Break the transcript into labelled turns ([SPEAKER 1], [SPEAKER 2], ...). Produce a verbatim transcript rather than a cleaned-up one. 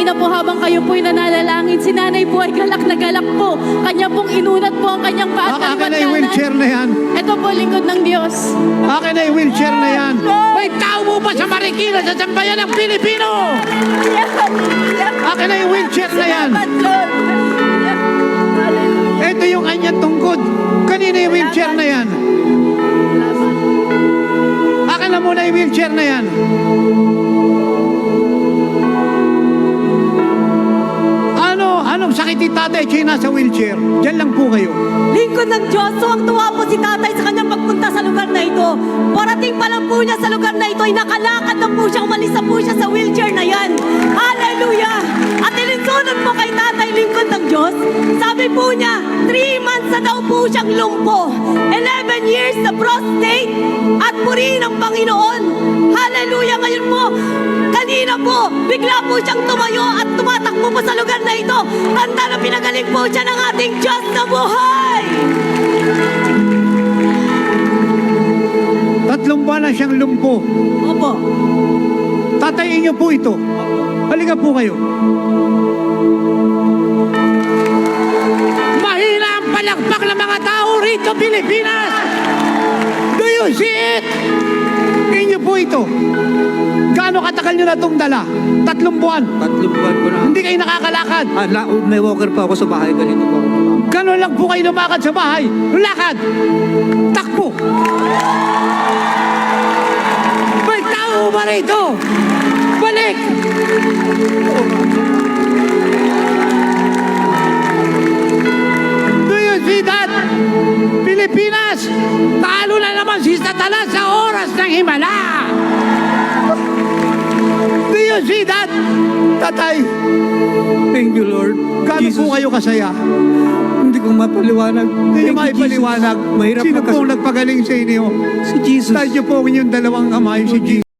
[SPEAKER 1] Kanina po habang kayo po'y nananalangin, si nanay po ay galak na galak po. Kanya pong inunat po ang kanyang paa at
[SPEAKER 2] Akin na yung wheelchair na yan.
[SPEAKER 1] Ito po, lingkod ng Diyos.
[SPEAKER 2] Akin na yung wheelchair na yan.
[SPEAKER 3] May tao mo pa sa Marikina sa sambayan ng Pilipino!
[SPEAKER 2] Akin na yung wheelchair na yan. Ito yung kanyang tungkod. Kanina yung wheelchair na yan. Akin na muna yung wheelchair na yan. Ano? Anong sakit ni tatay siya yung nasa wheelchair? Diyan lang po kayo.
[SPEAKER 4] Lingkod ng Diyos, tuwang-tuwa po si tatay sa kanyang pagpunta sa lugar na ito. Parating pa lang po niya sa lugar na ito, ay nakalakad na po siya, umalis na po siya sa wheelchair na yan. Hallelujah! At ilinsunod po kay tatay, lingkod ng Diyos. Sabi po niya, three months na daw po siyang lumpo. eleven years na prostate at purihin ng Panginoon. Hallelujah! Ngayon po, kanina po, bigla po siyang tumayo at tumatakbo po sa lugar na ito. Tanda na pinagaling po siya ng ating Diyos na buhay!
[SPEAKER 2] Tatlong buwan na siyang lumpo.
[SPEAKER 4] Opo.
[SPEAKER 2] Tatayin niyo po ito. Halika po kayo.
[SPEAKER 3] Mahina ang palakpak ng mga tao rito, Pilipinas!
[SPEAKER 2] Do you see it? Inyo po ito. Gaano katagal nyo na itong dala? Tatlong buwan.
[SPEAKER 5] Tatlong buwan ko na.
[SPEAKER 2] Hindi kayo nakakalakad.
[SPEAKER 5] Ah, la, may walker pa ako sa bahay. Ganito po ako.
[SPEAKER 2] Gano'n lang po kayo lumakad sa bahay. Lakad. Takbo.
[SPEAKER 3] May tao ba rito? Balik!
[SPEAKER 2] Do you see that?
[SPEAKER 3] Pilipinas! Talo na naman si Satanas sa oras ng himala!
[SPEAKER 2] Do you see that? Tatay,
[SPEAKER 5] Thank you, Lord.
[SPEAKER 2] gaano
[SPEAKER 5] Jesus,
[SPEAKER 2] po kayo kasaya?
[SPEAKER 5] hindi ko mapaliwanag.
[SPEAKER 2] Hindi nyo
[SPEAKER 5] Thank you,
[SPEAKER 2] maipaliwanag.
[SPEAKER 5] Jesus. Mahirap
[SPEAKER 2] Sino
[SPEAKER 5] magkas-
[SPEAKER 2] pong nagpagaling sa inyo?
[SPEAKER 5] Si Jesus.
[SPEAKER 2] Dahil nyo po ang inyong dalawang kamay, si Jesus.